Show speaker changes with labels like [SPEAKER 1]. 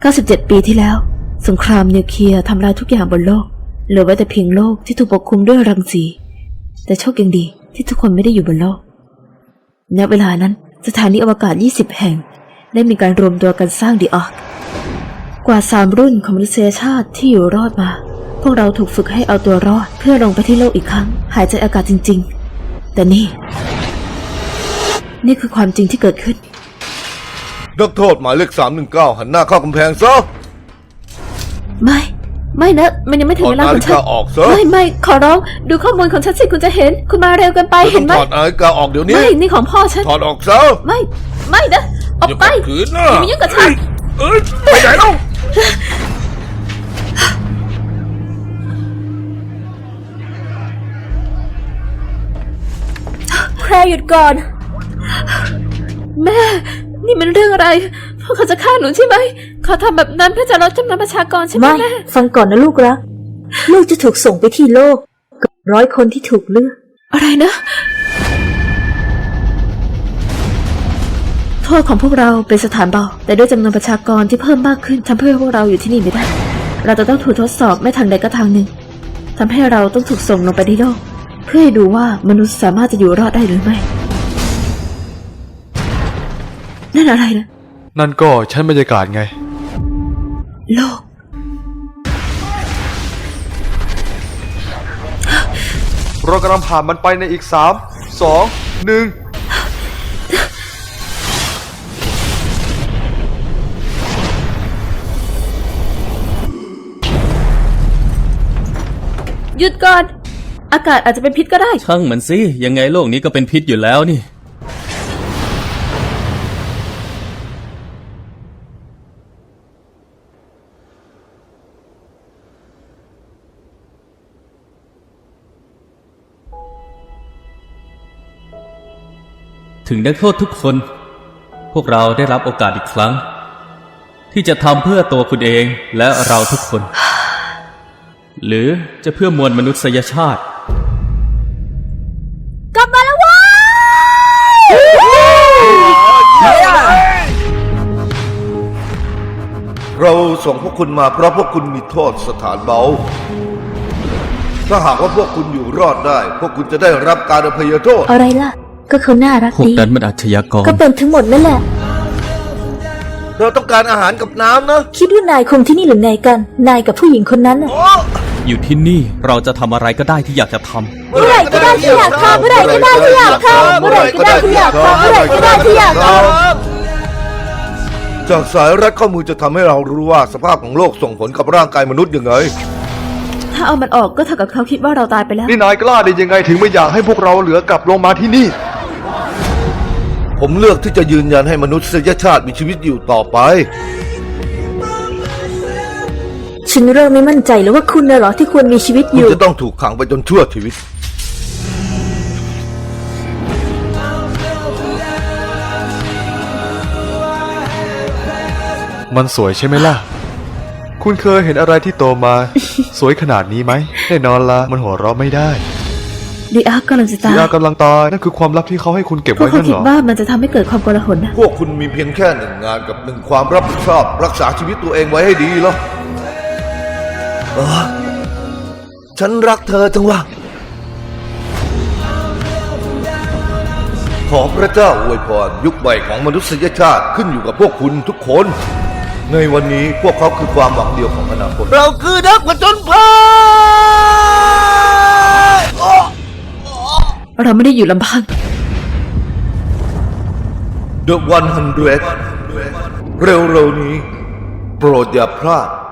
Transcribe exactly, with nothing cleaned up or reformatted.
[SPEAKER 1] เก้าสิบเจ็ด ปีที่แล้วสงครามนิวเคลียร์ทำลายทุกอย่างบนโลกเหลือไว้แต่เพียงโลกที่ถูกปกคลุมด้วยรังสีแต่โชคยังดีที่ทุกคนไม่ได้อยู่บนโลกณเวลานั้นสถานีอวกาศยี่สิบแห่งได้มีการรวมตัวกันสร้างดีอาร์คกว่าสามรุ่นของมนุษยชาติที่อยู่รอดมาพวกเราถูกฝึกให้เอาตัวรอดเพื่อลงไปที่โลกอีกครั้งหายใจอากาศจริงๆแต่นี่นี่คือความจริงที่เกิดขึ้น
[SPEAKER 2] นักโทษหมายเลขสามหนึ่งเก้าหันหน้าเข้ากำแพงซะ
[SPEAKER 1] ไม่ไม่นะมันยังไม่ถึงเวลาของฉันไม่ไม่ขอร้องดูข้อมูลของฉันสิคุณจะเห็นคุณมาเร็วเกินไปเห็นไหม
[SPEAKER 2] ถอดนาฬิกาออกเดี๋ยวนี้
[SPEAKER 1] ไม่นี่ของพ่อฉัน
[SPEAKER 2] ถอดออกซะ
[SPEAKER 1] ไม่ไม่นะออกไปอย่ามายุ่งกับฉัน
[SPEAKER 2] เอ้ยไปไหนเล่า
[SPEAKER 1] แพรหยุดก่อนแม่นี่มันเรื่องอะไรพวกเขาจะฆ่าหนูใช่ไหมเขาทำแบบนั้นเพื่อจะลดจำนวนประชากรใช่ไหมแม่
[SPEAKER 3] ฟังก่อนนะลูกรักลูกจะถูกส่งไปที่โลกกับร้อยคนที่ถูกเลือก
[SPEAKER 1] อะไรนะโทษของพวกเราเป็นสถานเบาแต่ด้วยจำนวนประชากรที่เพิ่มมากขึ้นทำให้พวกเราอยู่ที่นี่ไม่ได้เราจะต้องถูกทดสอบไม่ทางใดก็ทางหนึ่งทำให้เราต้องถูกส่งลงไปที่โลกเพื่อให้ดูว่ามนุษย์สามารถจะอยู่รอดได้หรือไม่นั่นอะไรนะ
[SPEAKER 4] นั่นก็ชั้นบรรยากาศไง
[SPEAKER 1] โลก
[SPEAKER 4] เรากำลังผ่านมันไปในอีกสาม สอง หนึ่ง
[SPEAKER 1] หยุดก่อนอากาศอาจจะเป็นพิษก็ได้
[SPEAKER 5] ช่างมันสิยังไงโลกนี้ก็เป็นพิษอยู่แล้วนี่ถึงนักโทษทุกคนพวกเราได้รับโอกาสอีกครั้งที่จะทำเพื่อตัวคุณเองและเราทุกคน หรือจะเพื่อมวลมนุษยชาติ
[SPEAKER 1] กลับมาแล้วว้
[SPEAKER 2] ยเราส่งพวกคุณมาเพราะพวกคุณมีโทษสถานเบาถ้าหากว่าพวกคุณอยู่รอดได้พวกคุณจะได้รับการอภัยโทษ
[SPEAKER 3] อะไรล่ะก็เขาน่ารักดี
[SPEAKER 5] พวกนั้นมันอาชญากร
[SPEAKER 3] ก็เป็นทั้งหมดนั่นแหละ
[SPEAKER 2] เราต้องการอาหารกับน้ำนะ
[SPEAKER 3] คิดว่านายคงที่นี่หรือไงกันนายกับผู้หญิงคนนั้น
[SPEAKER 5] อยู่ที่นี่เราจะทำอะไรก็ได้ที่อยากจะท
[SPEAKER 3] ำเมื่อไหร่ก็ได้ที่อยากทำเมื่อไหร่ก็ได้ที่อยากทำเมื่อไหร่ก็ได้ที่อยากทำเมื่อไหร่ก็ได้ที่อยากท
[SPEAKER 2] ำจากสายรัดข้อมือจะทำให้เรารู้ว่าสภาพของโลกส่งผลกับร่างกายมนุษย์ยังไง
[SPEAKER 1] ถ้าเอามันออกก็เท่ากับเขาคิดว่าเราตายไปแล้ว
[SPEAKER 4] นี่นายกล้าได้ยังไงถึงไม่อยากให้พวกเราเหลือกลับลงมาที่นี่
[SPEAKER 2] ผมเลือกที่จะยืนยันให้มนุษยชาติมีชีวิตอยู่ต่อไป
[SPEAKER 3] ฉันเริ่มไม่มั่นใจแล้วว่าคุณน่ะเหรอที่ควรมีชีวิตอยู่
[SPEAKER 2] คุณจะต้องถูกขังไปจนชั่วชีวิต
[SPEAKER 4] มันสวยใช่ไหมล่ะคุณเคยเห็นอะไรที่โตมา สวยขนาดนี้ไหมแน่นอนละมันหัวเราะไม่ได้
[SPEAKER 1] ดีอาร์กำลังจะตาย
[SPEAKER 4] ดีอาร์กำลังตายนั่นคือความลับที่เขาให้คุณเก็บไว้
[SPEAKER 1] นั่นเหรอพวกเขาคิดว่ามันจะทำให้เกิดความโกลาหลนะ
[SPEAKER 2] พวกคุณมีเพียงแค่หนึ่งงานกับหนึ่งความรับผิดชอบรักษาชีวิตตัวเองไว้ให้ดีแล้วเออฉันรักเธอจังวะขอพระเจ้าอวยพรยุคใหม่ของมนุษยชาติขึ้นอยู่กับพวกคุณทุกคนในวันนี้พวกเขาคือความหวังเดียวของอนาคตเราคือนักผจญภัย
[SPEAKER 1] เราไม่ได้อยู่ลำพัง
[SPEAKER 2] The หนึ่งร้อย เร็วๆนี้โปรดอย่าพลาด